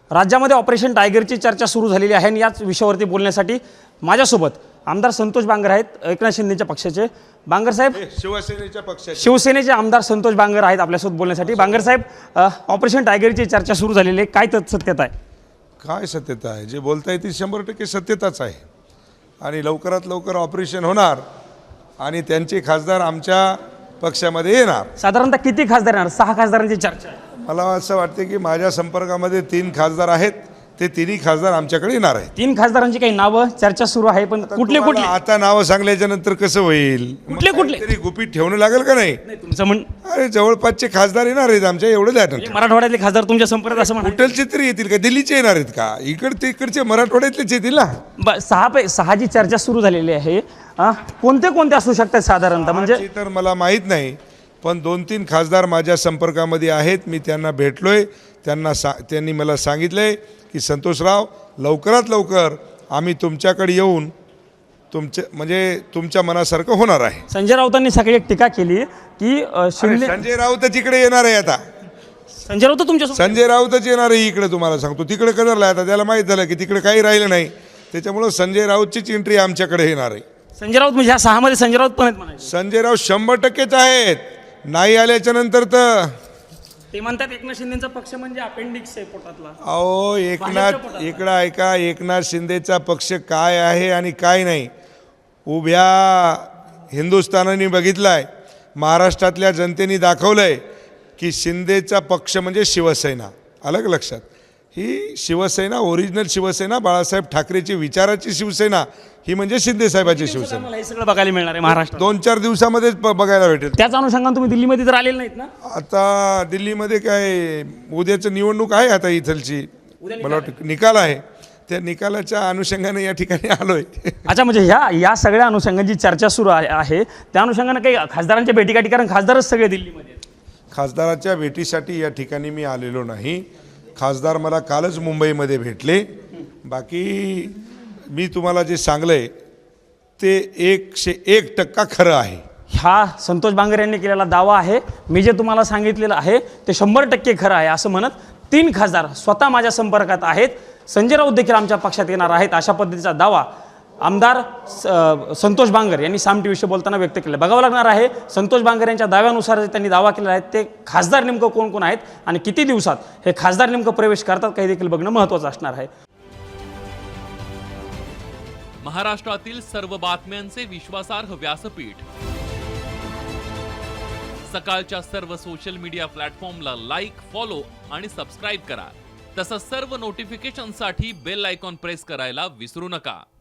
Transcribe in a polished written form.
राज्यामध्ये ऑपरेशन टायगरची चर्चा सुरू झालेली आहे आणि याच विषयावरती बोलण्यासाठी माझ्यासोबत आमदार संतोष बांगर आहेत, एकनाथ शिंदेच्या पक्षाचे. बांगर साहेब, शिवसेनेच्या पक्षाचे शिवसेनेचे आमदार संतोष बांगर आहेत आपल्यासोबत बोलण्यासाठी. बांगर साहेब, ऑपरेशन टायगरची चर्चा सुरू झालेली आहे, काय सत्यता आहे? काय सत्यता आहे? जे बोलताय ती 100% सत्यताच आहे. आणि लवकरात लवकर ऑपरेशन होणार आणि त्यांचे खासदार आमच्या पक्षामध्ये येणार. साधारणतः किती खासदार येणार? 6 खासदारांची चर्चा आहे. मला असं वाटते की माझ्या संपर्कामध्ये 3 खासदार आहेत, ते 3ही खासदार आमच्याकडे येणार आहेत. 3 खासदारांची काही नावं चर्चा सुरू आहे, पण कुठले कुठले? आता नावं सांगल्याच्या नंतर कसं होईल? कुठले? तरी गुपित ठेवणं लागेल का नाही? तुमचं म्हण अरे जवळपासचे खासदार येणार आहेत आमच्या, एवढं द्या. मराठवाड्यातले खासदार तुमच्या संपर्कात असं म्हणा. कुठलचे तरी येतील का? दिल्लीचे येणार आहेत का? इकडचे मराठवाड्यातलेच येतील ना. 6 जी चर्चा सुरू झालेली आहे, कोणते असू शकतात साधारणतः? म्हणजे तर मला माहीत नाही, पण 2-3 खासदार माझ्या संपर्कामध्ये आहेत. मी त्यांना भेटलोय, त्यांनी मला सांगितलंय की संतोषराव, लवकरात लवकर आम्ही तुमच्याकडे येऊन तुमच्या मनासारखं होणार आहे. संजय राऊतांनी सकाळी एक टीका केली की संजय राऊतच इकडे येणार आहे. आता संजय राऊत तुमच्या संजय राऊतच येणार आहे इकडे, तुम्हाला सांगतो. तिकडे कदरला आता त्याला माहीत झालं की तिकडे काही राहिलं नाही, त्याच्यामुळं संजय राऊतचीच एंट्री आमच्याकडे येणार आहे. संजय राऊत म्हणजे ह्या 6 मध्ये संजय राऊत पण आहेत म्हणायचे. संजय राऊत 100%च आहेत. नाही आल्याच्या नंतर तर ते म्हणतात एकनाथ शिंदेचा पक्ष म्हणजे अपेंडिक्स आहे पोटातला. अहो इकडं ऐका, एकनाथ शिंदेचा पक्ष काय आहे आणि काय नाही, उभ्या हिंदुस्थानाने बघितलाय, महाराष्ट्रातल्या जनतेने दाखवलंय की शिंदेचा पक्ष म्हणजे शिवसेना. अलग लक्षात, ही शिवसेना, ओरिजिनल शिवसेना, बाळासाहेब ठाकरेची विचाराची शिवसेना, ही म्हणजे शिंदे साहेबाची शिवसेना. मला हे सगळं बघायला मिळणार आहे महाराष्ट्रात. 2-4 दिवसामध्येच बघायला भेटेल. त्याच अनुषंगाने तुम्ही दिल्लीमध्ये तर आलेले नाहीत ना? आता दिल्लीमध्ये काय, उद्याचं निवडणूक आहे आता इथलची, मला वाटतं निकाल आहे, त्या निकालाच्या अनुषंगाने या ठिकाणी आलोय. अच्छा, म्हणजे या सगळ्या अनुषंगाची चर्चा सुरू आहे, त्या अनुषंगाने काही खासदारांच्या भेटीगाठी, कारण खासदारच सगळे दिल्लीमध्ये आहेत. खासदाराच्या भेटीसाठी या ठिकाणी मी आलेलो नाही. खासदार मला कालच मुंबईमध्ये भेटले. बाकी मी तुम्हाला जे सांगलंय ते 101% खरं आहे. हा संतोष बांगर यांनी केलेला दावा आहे. मी जे तुम्हाला सांगितलेलं आहे ते 100% खरं आहे असं म्हणत 3 खासदार स्वतः माझ्या संपर्कात आहेत. संजय राऊत देखील आमच्या पक्षात येणार आहेत, अशा पद्धतीचा दावा आमदार संतोष बांगर यांनी साम टीव्हीशी बोलताना व्यक्त केलं. बघावं लागणार आहे संतोष बांगर यांच्या दाव्यानुसार जे त्यांनी दावा केलेला आहे ते खासदार नेमकं कोण कोण आहेत आणि किती दिवसात हे खासदार नेमकं प्रवेश करतात काही देखील बघणं महत्त्वाचं असणार आहे. महाराष्ट्रातील सर्व बातम्यांचे विश्वासार्ह व्यासपीठ, सकाळच्या सर्व सोशल मीडिया प्लॅटफॉर्मला लाईक, फॉलो आणि सबस्क्राईब करा. तसंच सर्व नोटिफिकेशनसाठी बेल आयकॉन प्रेस करायला विसरू नका.